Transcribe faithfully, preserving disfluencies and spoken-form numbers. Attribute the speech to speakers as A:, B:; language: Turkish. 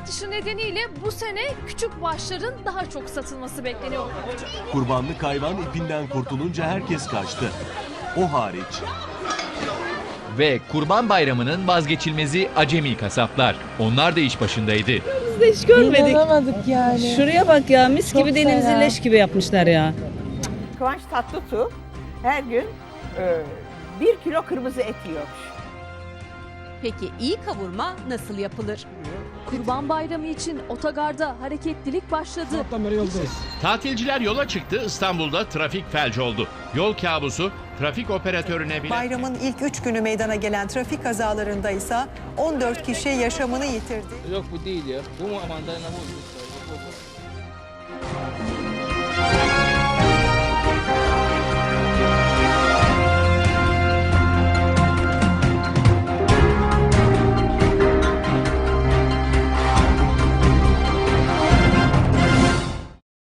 A: artışı nedeniyle bu sene küçük başların daha çok satılması bekleniyor.
B: Kurbanlık hayvan ipinden kurtulunca herkes kaçtı. O hariç.
C: Ve Kurban Bayramı'nın vazgeçilmezi acemi kasaplar. Onlar da iş başındaydı.
D: Biz de hiç görmedik.
E: İnanamadık yani.
D: Şuraya bak ya, mis
E: Çok
D: gibi denimizi
E: fena.
D: leş gibi yapmışlar ya.
F: Kıvanç Tatlıtuğ her gün e, bir kilo kırmızı et yiyormuş.
G: Peki iyi kavurma nasıl yapılır?
A: Kurban Bayramı için otogarda hareketlilik başladı.
H: Tatilciler yola çıktı, İstanbul'da trafik felç oldu. Yol kabusu trafik operatörüne bile...
I: Bayramın ilk üç günü meydana gelen trafik kazalarında ise on dört kişi yaşamını yitirdi.
J: Yok bu değil ya. Bu mu mandalina bu?